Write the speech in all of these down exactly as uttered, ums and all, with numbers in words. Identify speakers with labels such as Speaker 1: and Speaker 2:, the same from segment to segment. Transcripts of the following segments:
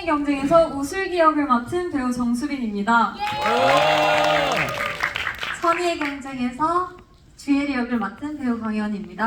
Speaker 1: 선의 경쟁에서 우슬기 역을 맡은 배우 정수빈입니다. 선의의 경쟁에서 주예리 역을 맡은 배우 강희원입니다.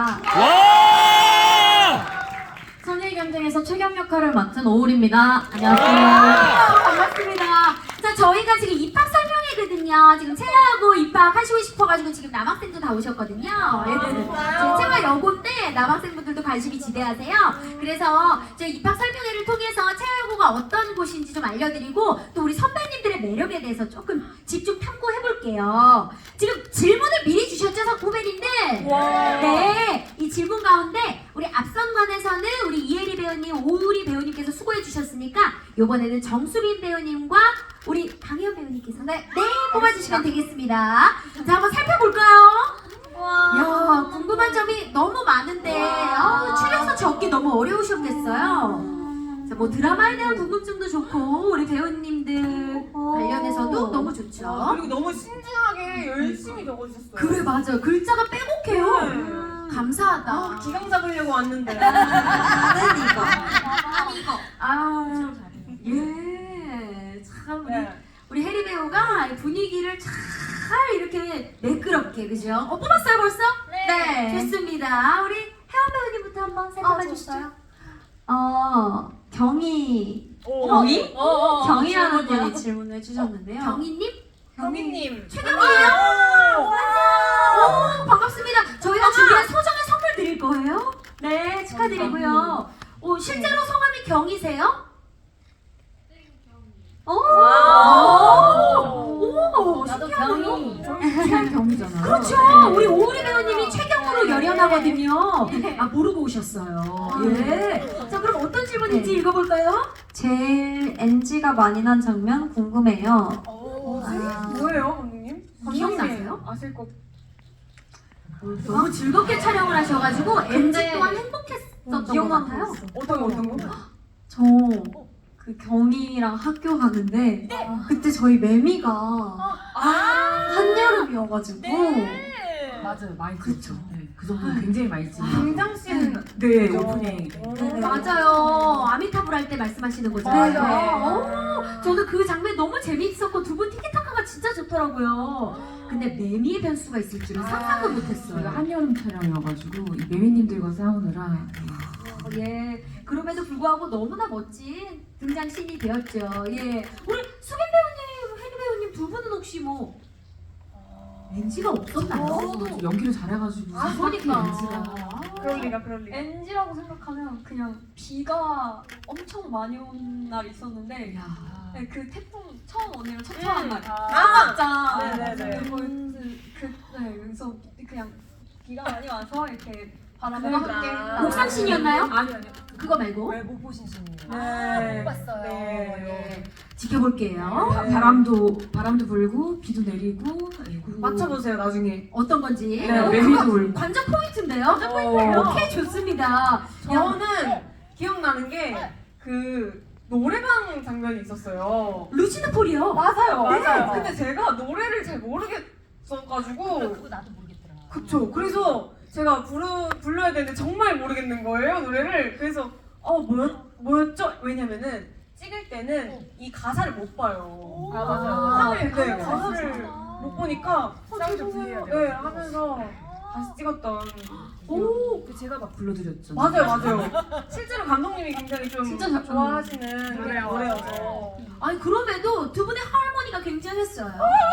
Speaker 2: 와!
Speaker 1: 선의의 경쟁에서 최경 역할을 맡은 오울입니다. 안녕하세요.
Speaker 3: 반갑습니다. 자, 저희가 지금 입학 설명회거든요. 지금 체여고 입학하시고 싶어가지고 지금 남학생도 다 오셨거든요. 예, 지금 체여 여고인데 남학생분들도 관심이 지대하세요. 그래서 저희 입학 설명회를 통해서 체여고가 어떤 곳인지 좀 알려드리고 또 우리 선배님들의 매력에 대해서 조금 집중 탐구해볼게요. 지금 질문을 미리 주셨죠, 후배님들? 네. 이 질문 가운데 우리 앞선관에서는 우리 이혜리 배우님, 오우리 배우님께서 수고해 주셨으니까 이번에는 정수빈 배우님과 우리 강희원 배우님께서 네, 네 뽑아주시면 되겠습니다. 자, 한번 살펴볼까요? 야, 궁금한 점이 너무 많은데 아, 추려서 적기 너무 어려우셨겠어요. 자, 뭐 드라마에 대한 궁금증도 좋고 우리 배우님들 관련해서도 너무 좋죠.
Speaker 4: 그리고 너무 신중하게 열심히 적어주셨어요.
Speaker 3: 그래, 맞아요. 글자가 빼곡해요.
Speaker 4: 네.
Speaker 3: 감사하다.
Speaker 4: 아, 기강 잡으려고 왔는데.
Speaker 3: 나는 이거.
Speaker 4: 난
Speaker 3: 이거. 아, 예. 참 우리,
Speaker 4: 네.
Speaker 3: 우리 혜리 배우가 이 분위기를 잘 이렇게 매끄럽게, 그죠? 어, 뽑았어요 벌써?
Speaker 1: 네.
Speaker 3: 좋습니다. 우리 혜원 배우님부터 한번 살펴봐
Speaker 1: 아,
Speaker 3: 주시죠.
Speaker 1: 좋아요. 어, 경희,
Speaker 4: 오.
Speaker 3: 경희?
Speaker 4: 어, 어, 어.
Speaker 1: 경희라는
Speaker 4: 질문이요?
Speaker 1: 분이 질문을 해주셨는데요.
Speaker 3: 경희님?
Speaker 4: 경희님.
Speaker 3: 최경희예요?
Speaker 4: 아.
Speaker 3: 오, 반갑습니다. 저희가 준비한 소정의 선물 드릴 거예요. 네, 축하드리고요. 오, 실제로 성함이 경희세요? 오! 오!
Speaker 1: 나도
Speaker 3: 신기하네요.
Speaker 1: 경희.
Speaker 3: 최경이잖아요. 그렇죠. 우리 오우리 배우님이 최경으로 열연하거든요. 아, 모르고 오셨어요. 예. 자, 그럼 어떤 질문인지
Speaker 1: 네.
Speaker 3: 읽어볼까요?
Speaker 1: 제일 엔지가 많이 난 장면 궁금해요.
Speaker 4: 오,
Speaker 1: 아.
Speaker 4: 뭐예요, 감독님?
Speaker 3: 기억나세요?
Speaker 4: 아실 것.
Speaker 3: 너무 즐겁게 촬영을 하셔가지고 엔지
Speaker 1: 근데-
Speaker 3: 또한 행복했었던 것
Speaker 1: 기억나는
Speaker 3: 같아요.
Speaker 1: 거 있어.
Speaker 4: 어떤 거, 어떤 거?
Speaker 1: 저 그 경희랑 학교 가는데 그때 저희 매미가 한여름이어가지고
Speaker 5: 맞아요, 많이
Speaker 1: 그쵸.
Speaker 5: 그렇죠. 네, 그 정도는 굉장히 많이 찍은
Speaker 4: 당장씨는
Speaker 5: 네,
Speaker 4: 그죠?
Speaker 5: 오프닝.
Speaker 3: 네, 맞아요. 아미타불 할 때 말씀하시는 거죠.
Speaker 4: 맞아요.
Speaker 3: 네. 오, 저도 그 장면 너무 재미있었고 두 분 티키타카가 진짜 좋더라고요. 근데 매미의 변수가 있을 줄은 상상도
Speaker 5: 저희가
Speaker 3: 못했어요.
Speaker 5: 한여름 촬영이어가지고 이 매미님들과 싸우느라
Speaker 3: 어, 예. 그럼에도 불구하고 너무나 멋진 등장신이 되었죠. 예. 우리 수빈 배우님, 혜리 배우님 두 분은 혹시 뭐 엔지가 없었나요?
Speaker 5: 좀 연기를 잘해가지고
Speaker 3: 아, 그러니까.
Speaker 5: 엔지가
Speaker 4: 그럴 리가, 그럴 리가.
Speaker 1: 엔지라고 생각하면 그냥 비가 엄청 많이 온 날 있었는데
Speaker 3: 야.
Speaker 1: 네, 그 태풍 처음 오는 첫 촬영 날.
Speaker 4: 아,
Speaker 1: 진짜.
Speaker 4: 네네네.
Speaker 1: 그, 그, 네, 그래서 그냥 비가 많이 와서 이렇게 바람과
Speaker 4: 그러니까.
Speaker 1: 함께.
Speaker 3: 옥상신이었나요?
Speaker 4: 아니, 아니.
Speaker 3: 그거 말고
Speaker 4: 왜못 보신 신이에요?
Speaker 3: 네.
Speaker 4: 못 봤어요.
Speaker 3: 네. 지켜볼게요.
Speaker 5: 바, 바람도 바람도 불고 비도 내리고 예, 그리고
Speaker 4: 맞춰보세요, 나중에.
Speaker 3: 어떤 건지.
Speaker 5: 네,
Speaker 3: 어,
Speaker 5: 매미도
Speaker 3: 그거
Speaker 5: 울고.
Speaker 3: 관전 포인트인데요?
Speaker 4: 어.
Speaker 3: 오케이, 좋습니다.
Speaker 4: 저는 기억나는 게 그 노래방 장면이 있었어요.
Speaker 3: 루시드 폴이요.
Speaker 4: 맞아요,
Speaker 3: 네.
Speaker 4: 맞아요. 근데 제가 노래를 잘 모르겠어가지고.
Speaker 6: 그거 나도 모르겠더라.
Speaker 4: 그쵸. 그래서 제가 부르, 불러야 되는데 정말 모르겠는 거예요, 노래를. 그래서, 어, 뭐였, 뭐였죠? 왜냐면은 찍을 때는 이 가사를 못 봐요.
Speaker 3: 아, 맞아요.
Speaker 4: 하늘, 네,
Speaker 3: 아,
Speaker 4: 가사를
Speaker 3: 그렇구나.
Speaker 4: 못 보니까 쌍이 좀
Speaker 3: 죄송해요.
Speaker 4: 네, 하면서 다시 찍었던.
Speaker 3: 오,
Speaker 5: 그 제가 막 불러드렸죠.
Speaker 4: 맞아요, 맞아요. 실제로 감독님이 굉장히 좀
Speaker 1: 진짜 잘-
Speaker 4: 좋아하시는
Speaker 6: 노래요.
Speaker 4: 노래여서.
Speaker 3: 아니 그럼에도 두 분의 하모니가 굉장했어요.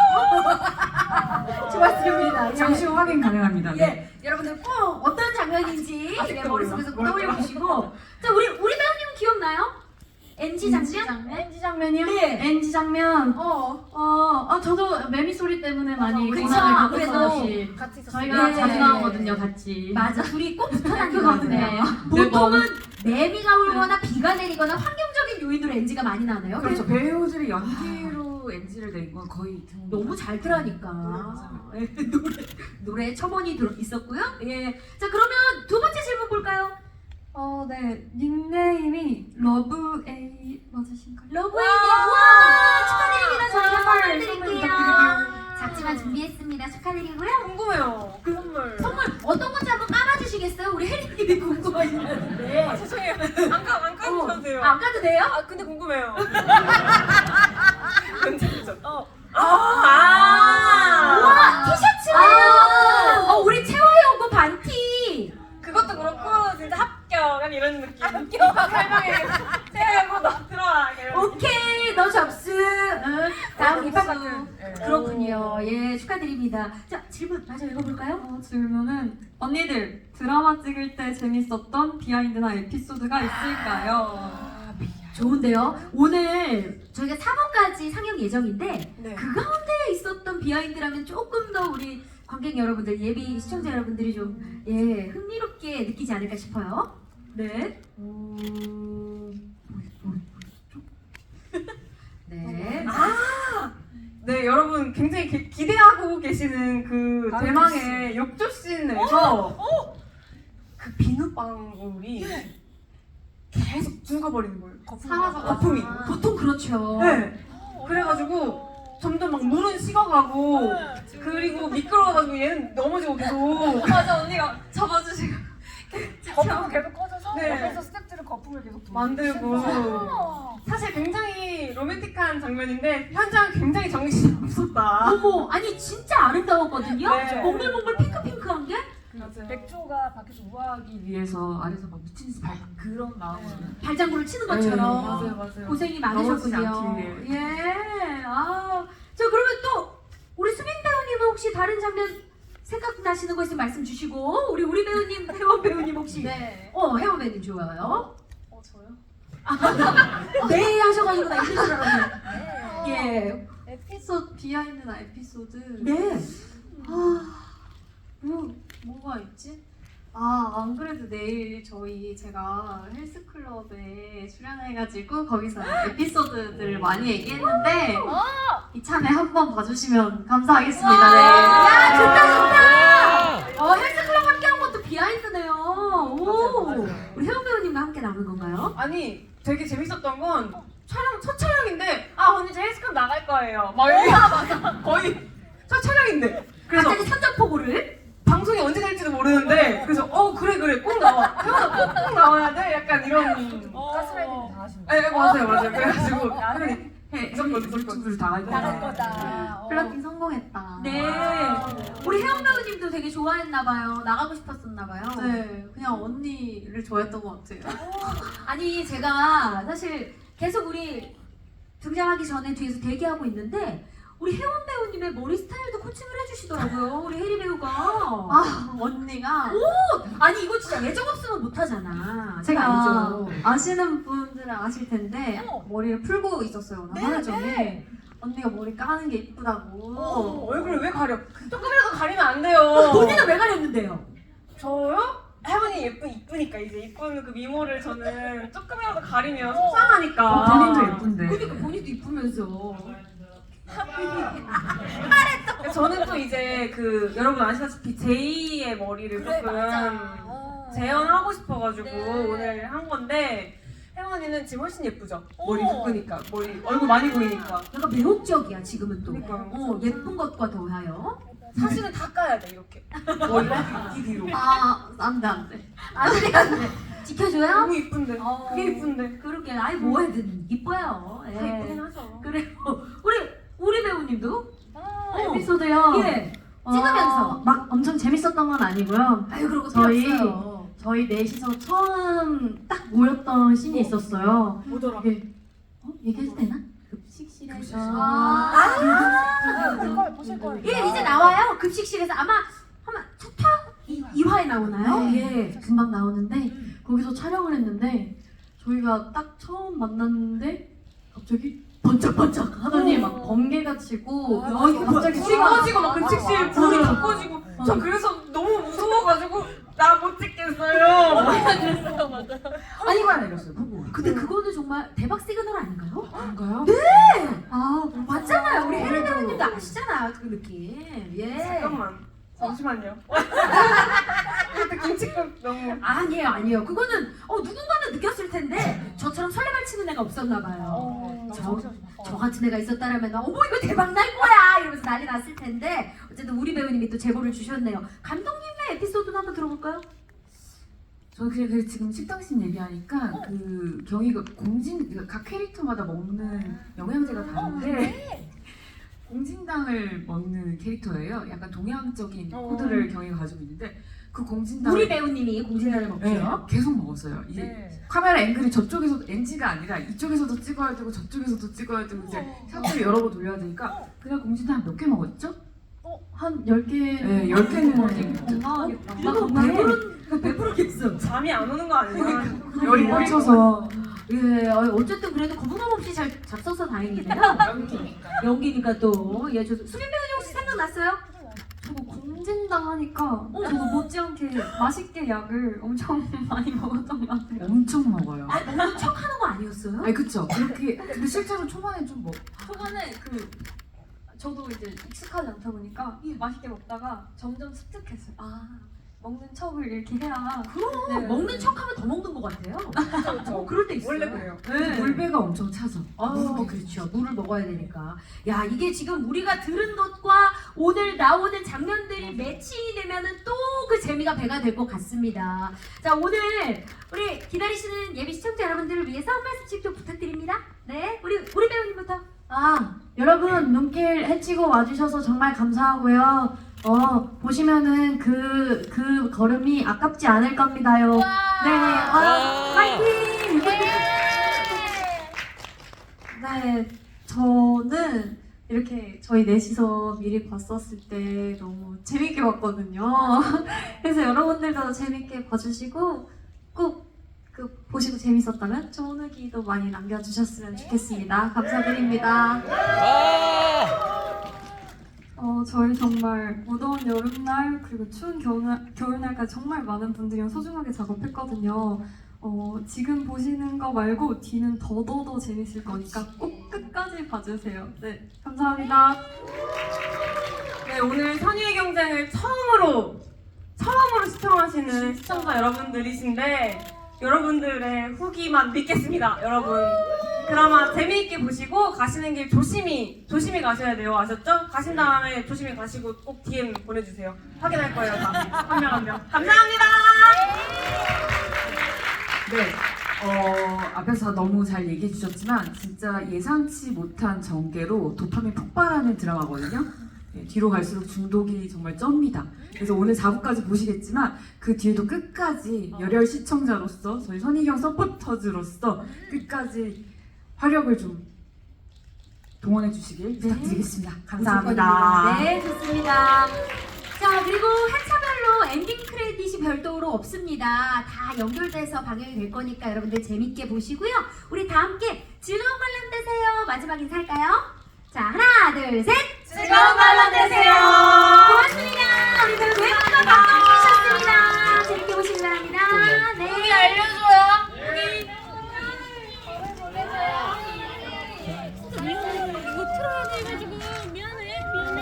Speaker 3: 좋았습니다.
Speaker 5: 잠시 후 확인 가능합니다. 네.
Speaker 3: 예, 여러분들 꼭 어떤 장면인지
Speaker 4: 아직도
Speaker 3: 예, 머릿속에서
Speaker 4: 몰라.
Speaker 3: 떠올려 보시고. 자, 우리 우리 배우님은 기억나요? 엔지 장면?
Speaker 1: 엔지 장면이요?
Speaker 3: 네.
Speaker 1: 엔지 장면.
Speaker 3: 어.
Speaker 1: 어, 아 저도 매미 소리 때문에 많이
Speaker 3: 그쵸,
Speaker 1: 고난을
Speaker 3: 아무래도
Speaker 1: 겪었었지.
Speaker 6: 같이 있었어요.
Speaker 1: 저희가
Speaker 3: 네.
Speaker 1: 자주 나오거든요, 같이.
Speaker 3: 맞아, 둘이 꼭 붙어
Speaker 1: 네.
Speaker 3: 다니거든요. 보통은 매미가 울거나 비가 내리거나 환경적인 요인으로 엔지가 많이 나네요.
Speaker 5: 그렇죠. 배우들이 연기로 엔지를 낸 건 거의 드문
Speaker 3: 너무 잘 들으니까 예, 노래 노래 첨언이 들어 있었고요. 예, 자 그러면 두 번째 질문 볼까요?
Speaker 1: 어, 네. 닉네임이 러브에이 맞으신가요?
Speaker 3: 러브웨이님 와 축하드립니다. 저희가 선물
Speaker 4: 선물
Speaker 3: 드릴게요.
Speaker 4: 부탁드릴게요.
Speaker 3: 작지만 준비했습니다. 축하드리고요.
Speaker 4: 궁금해요. 그 선물.
Speaker 3: 선물 어떤 건지 한번 까봐주시겠어요? 우리 혜리님이 궁금하시는데.
Speaker 4: 아, 죄송해요. 안 까, 안 까는
Speaker 3: 어,
Speaker 4: 가도 돼요.
Speaker 3: 안 가도 돼요?
Speaker 4: 아 근데 궁금해요. 괜찮죠? 어. 아.
Speaker 3: 우와 티셔츠네요. 어 우리 채화의 오고 반티.
Speaker 4: 그것도 그렇고 진짜 합격 이런 느낌. 합격. 설명해. 세하고 너 들어와. 이런.
Speaker 3: 오케이 너 접수. 응. 다음 입학
Speaker 4: 네.
Speaker 3: 그렇군요. 예 축하드립니다. 자 질문 마저 읽어볼까요?
Speaker 1: 어, 질문은 언니들 드라마 찍을 때 재밌었던 비하인드나 에피소드가 있을까요?
Speaker 3: 좋은데요. 오늘 저희가 삼 화까지 상영 예정인데
Speaker 4: 네.
Speaker 3: 그 가운데 있었던 비하인드라면 조금 더 우리 관객 여러분들 예비 시청자 여러분들이 좀 예 흥미롭게 느끼지 않을까 싶어요. 네. 네.
Speaker 4: 네 여러분 굉장히 기, 기대하고 계시는 그
Speaker 5: 다른
Speaker 4: 대망의 욕조 씬에서 그 비눗방울이 계속 죽어버리는 거예요.
Speaker 1: 사라져
Speaker 4: 거품이.
Speaker 3: 보통 그렇죠.
Speaker 4: 네. 그래가지고 점점 막 물은 식어가고 그리고 미끄러워가지고 얘는 넘어지고 계속.
Speaker 1: 맞아 언니가 잡아주시고
Speaker 2: 거품은 계속 꺼져서
Speaker 4: 네.
Speaker 2: 옆에서 스태프들은 거품을 계속 돌리고.
Speaker 4: 만들고 사실 굉장히 로맨틱한 장면인데 현장 굉장히 정신이 없었다.
Speaker 3: 어머 아니 진짜 아름다웠거든요.
Speaker 4: 네.
Speaker 3: 몽글몽글 핑크핑크한 게
Speaker 4: 맞아요.
Speaker 2: 백조가 밖에서 우아하기
Speaker 5: 하기 위해서 아래서 막 미친 듯이 발 그런 마음으로
Speaker 3: 발장구를 치는
Speaker 5: 네,
Speaker 3: 것처럼
Speaker 4: 맞아요, 맞아요.
Speaker 3: 고생이
Speaker 5: 넘어지지
Speaker 3: 많으셨군요.
Speaker 5: 않기
Speaker 3: 예. 아, 저 그러면 또 우리 수빈 배우님은 혹시 다른 장면 생각나시는 거 있으면 말씀 주시고 우리 우리 배우님 혜원 배우님 혹시
Speaker 1: 네.
Speaker 3: 어 혜원 배우님 좋아요.
Speaker 1: 어 저요?
Speaker 3: 네 하셔가지고 나 이럴 줄 알았네.
Speaker 2: 네.
Speaker 3: 예.
Speaker 1: 에피소드 비하인드나 에피소드
Speaker 3: 네.
Speaker 1: 아, 뭐, 뭐가 있지? 아, 안 그래도 내일 저희 제가 헬스클럽에 출연해가지고 거기서 에피소드들을 많이 얘기했는데 이참에 한번 봐주시면 감사하겠습니다. 네.
Speaker 3: 야 좋다 좋다. 어 헬스클럽 함께 한 것도 비하인드네요. 오.
Speaker 4: 맞아요, 맞아요.
Speaker 3: 우리 혜원 배우님과 함께 나눈 건가요?
Speaker 4: 아니 되게 재밌었던 건 촬영 첫 촬영인데 아 언니 저 헬스클럽 나갈 거예요. 막 이렇게 거의 첫 촬영인데 그래서
Speaker 3: 갑자기 선전포고를.
Speaker 4: 방송이 언제 될지도 모르는데 그래서 어 그래 그래 꼭 나와 태어나 꼭, 꼭 나와야 돼 약간 이런
Speaker 2: 가스라이팅 다 하시는
Speaker 4: 네 맞아요 맞아요 그래가지고
Speaker 2: 나는
Speaker 4: 해 무조건 무조건
Speaker 5: 유튜브를 다 알고
Speaker 2: 나갈
Speaker 5: 있어요.
Speaker 2: 거다. 어.
Speaker 1: 플러팅 성공했다.
Speaker 3: 네. 우리 혜원 배우님도 되게 좋아했나봐요. 나가고 싶었었나봐요.
Speaker 1: 네, 그냥 언니를 좋아했던 것 같아요.
Speaker 3: 아니 제가 사실 계속 우리 등장하기 전에 뒤에서 대기하고 있는데 우리 혜원 배우님의 머리 스타일도 코칭을 해주시더라고요. 우리 혜리 배우가.
Speaker 1: 아, 언니가
Speaker 3: 아니 이거 진짜 예정 없으면 못하잖아. 제가
Speaker 1: 제가
Speaker 3: 알죠.
Speaker 1: 아시는 분들은 아실 텐데
Speaker 2: 어.
Speaker 1: 머리를 풀고 있었어요. 나 하루 전에
Speaker 2: 네.
Speaker 1: 언니가 머리 까는 게 이쁘다고.
Speaker 4: 어, 얼굴을 왜 가려 조금이라도 가리면 안 돼요
Speaker 3: 본인은 왜 가렸는데요?
Speaker 4: 저요? 혜원이 예쁜 이쁘니까 이제 이쁜 그 미모를 저는 조금이라도 가리면 속상하니까
Speaker 5: 어, 본인도 예쁜데.
Speaker 3: 그러니까 본인도 이쁘면서.
Speaker 4: 저는 또 이제 그 여러분 아시다시피 제이의 머리를
Speaker 2: 그래
Speaker 4: 조금
Speaker 2: 맞아. 어.
Speaker 4: 재현하고 싶어가지고
Speaker 2: 네.
Speaker 4: 오늘 한 건데 혜원이는 지금 훨씬 예쁘죠? 머리
Speaker 2: 어.
Speaker 4: 묶으니까 머리 얼굴 많이 보이니까
Speaker 3: 약간 매혹적이야 지금은 또.
Speaker 4: 그러니까요.
Speaker 3: 어 예쁜 것과 더하여.
Speaker 4: 사실은 다 까야 돼 이렇게 머리를 이 뒤로
Speaker 1: 아, 안 돼, 안 돼.
Speaker 3: 안돼 안돼. 지켜줘요?
Speaker 4: 너무 이쁜데
Speaker 3: 어.
Speaker 4: 그게 이쁜데
Speaker 3: 그러게 아이 뭐해든 이뻐요.
Speaker 4: 다
Speaker 3: 예.
Speaker 4: 이쁘긴 하죠
Speaker 3: 그래요. 우리 우리 배우님도
Speaker 2: 어.
Speaker 1: 에피소드요.
Speaker 3: 예
Speaker 1: 어,
Speaker 3: 찍으면서.
Speaker 1: 막 엄청 재밌었던 건 아니고요.
Speaker 3: 아유 그러고
Speaker 1: 저희-
Speaker 3: 필요 없어요.
Speaker 1: 저희 넷이서 처음 딱 모였던 씬이 있었어요.
Speaker 4: 뭐더라
Speaker 1: 이게 어? 얘기해도 되나? 급식실에서
Speaker 3: 아,
Speaker 2: 그걸 보실 거예요.
Speaker 3: 예 이제 나와요 급식실에서 아마 아마 첫화 이 화에 나오나요?
Speaker 1: 네,
Speaker 3: 예.
Speaker 1: 금방 나오는데 거기서 촬영을 했는데 저희가 딱 처음 만났는데 갑자기 번쩍번쩍 하더니 막 번개가 치고
Speaker 2: 아,
Speaker 1: 어, 이거 갑자기
Speaker 4: 불이
Speaker 1: 수가-
Speaker 4: 꺼지고 막 급식실 불이 다 꺼지고
Speaker 1: 어.
Speaker 4: 저 그래서 너무 무서워가지고 나 못 찍겠어요
Speaker 3: 아니
Speaker 5: 이거 내렸어요. 보고.
Speaker 3: 근데 그거는 정말 대박 시그널 아닌가요?
Speaker 5: 그런가요?
Speaker 1: 아
Speaker 3: 맞잖아요 우리 혜리 배우님도 아시잖아 그 느낌 예
Speaker 4: 잠깐만 잠시만요 이것도 김치국 너무
Speaker 3: 아니에요 아니에요 그거는 어 누군가는 느꼈을 텐데 저처럼 설레발 치는 애가 없었나 봐요
Speaker 2: 어.
Speaker 3: 저, 저 같은 애가 있었다라면 어머 이거 대박 날 거야 이러면서 난리 났을 텐데 어쨌든 우리 배우님이 또 제보를 주셨네요 감독님의 에피소드도 한번 들어볼까요?
Speaker 5: 저 그냥 그 지금 식당신 얘기하니까 그 경희가 공진 그러니까 각 캐릭터마다 먹는 영양제가 다른데 공진당을 먹는 캐릭터예요. 약간 동양적인
Speaker 4: 어.
Speaker 5: 코드를 경희가 가지고 있는데 그 공진당
Speaker 3: 우리 배우님이 공진단을 먹죠.
Speaker 5: 네, 계속 먹었어요. 이
Speaker 2: 네.
Speaker 5: 카메라 앵글이 저쪽에서 엔지가 아니라 이쪽에서도 찍어야 되고 저쪽에서도 찍어야 되고 이제 샷을 여러 번 돌려야 되니까 그냥 공진당 몇 개 먹었죠?
Speaker 1: 한 열 개.
Speaker 5: 네, 열 개는
Speaker 1: 건강하겠다.
Speaker 3: 나 배부른 배부르겠어.
Speaker 4: 잠이 안 오는 거 아니야?
Speaker 5: 열이 꽂혀서
Speaker 3: 예, 어, 어쨌든 그래도 거부감 없이 잘 잡숴서 다행이네요. 연기니까 또. 예, 저 수빈 배우님 혹시 생각났어요?
Speaker 6: 저거 공진당 하니까 저도 못지않게 맛있게 약을 엄청 많이 먹었던 것 같아요.
Speaker 5: 엄청 먹어요.
Speaker 3: 아, 먹는 척 하는 거 아니었어요?
Speaker 5: 아니 그쵸? 그렇게 근데 실제로 초반에 좀 먹.
Speaker 6: 초반에 그 저도 이제 익숙하지 않다 보니까 맛있게 먹다가 점점 습득했어요. 아, 먹는 척을 이렇게 해야
Speaker 3: 그럼
Speaker 6: 네.
Speaker 3: 먹는 척 하면 더 먹는 것 같아요. 어, 그럴 때 있어요.
Speaker 4: 원래 그래요.
Speaker 3: 네.
Speaker 5: 물배가 엄청 차서.
Speaker 3: 아, 그렇죠. 물을 먹어야 되니까. 야, 이게 지금 우리가 들은 것과 오늘 나오는 장면들이 매칭이 되면은 또 그 재미가 배가 될 것 같습니다. 자, 오늘 우리 기다리시는 예비 시청자 여러분들을 위해서 한 말씀씩 좀 부탁드립니다. 네, 우리 우리 배우님부터.
Speaker 1: 아, 여러분 눈길 헤치고 와주셔서 정말 감사하고요. 어, 보시면은 그, 그 걸음이 아깝지 않을 겁니다요. 네, 와, 화이팅!
Speaker 6: 네, 저는 이렇게 저희 넷이서 미리 봤었을 때 너무 재밌게 봤거든요. 그래서 여러분들도 재밌게 봐주시고 꼭 그 보시고 재밌었다면 좋은 후기도 많이 남겨주셨으면 좋겠습니다. 감사드립니다. 어, 저희 정말 무더운 여름날 그리고 추운 겨울날, 겨울날까지 정말 많은 분들이랑 소중하게 작업했거든요. 어, 지금 보시는 거 말고 뒤는 더더더 재밌을 거니까 꼭 끝까지 봐주세요. 네, 감사합니다.
Speaker 4: 네, 오늘 선의의 경쟁을 처음으로 처음으로 시청하시는 시청자 여러분들이신데 여러분들의 후기만 믿겠습니다, 여러분. 드라마 재미있게 보시고 가시는 길 조심히 조심히 가셔야 돼요, 아셨죠? 가신 다음에 조심히 가시고 꼭 디엠 보내주세요. 확인할 거예요, 다. 한 명 한 명. 감사합니다.
Speaker 5: 네. 어 앞에서 너무 잘 얘기해 주셨지만 진짜 예상치 못한 전개로 도파민 폭발하는 드라마거든요. 네, 뒤로 갈수록 중독이 정말 쩝니다. 그래서 오늘 사 부까지 보시겠지만 그 뒤에도 끝까지 열혈 시청자로서 저희 선희경 서포터즈로서 끝까지 화력을 좀 동원해 주시길 부탁드리겠습니다. 감사합니다.
Speaker 3: 네, 좋습니다. 자, 그리고 회차별로 엔딩 크레딧이 별도로 없습니다. 다 연결돼서 방영이 될 거니까 여러분들 재밌게 보시고요. 우리 다 함께 즐거운 관람 되세요. 마지막 인사할까요? 자, 하나, 둘, 셋!
Speaker 4: 즐거운 관람 되세요.
Speaker 3: 고맙습니다. 우리 배우 외모가 감동주셨습니다. 재밌게 보시기 바랍니다. 네.
Speaker 2: 여기 알려줘요.
Speaker 7: 이거 틀어야 돼가지고 미안해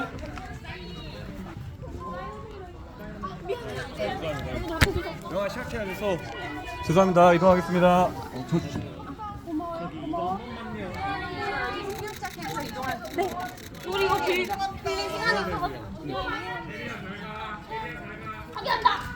Speaker 7: 미안해
Speaker 8: 영화 시작해야 돼서 죄송합니다. 이동하겠습니다. 어, 저 주시.
Speaker 7: 우리 이거 빌 빌린 시간이 있어가지고 하게 한다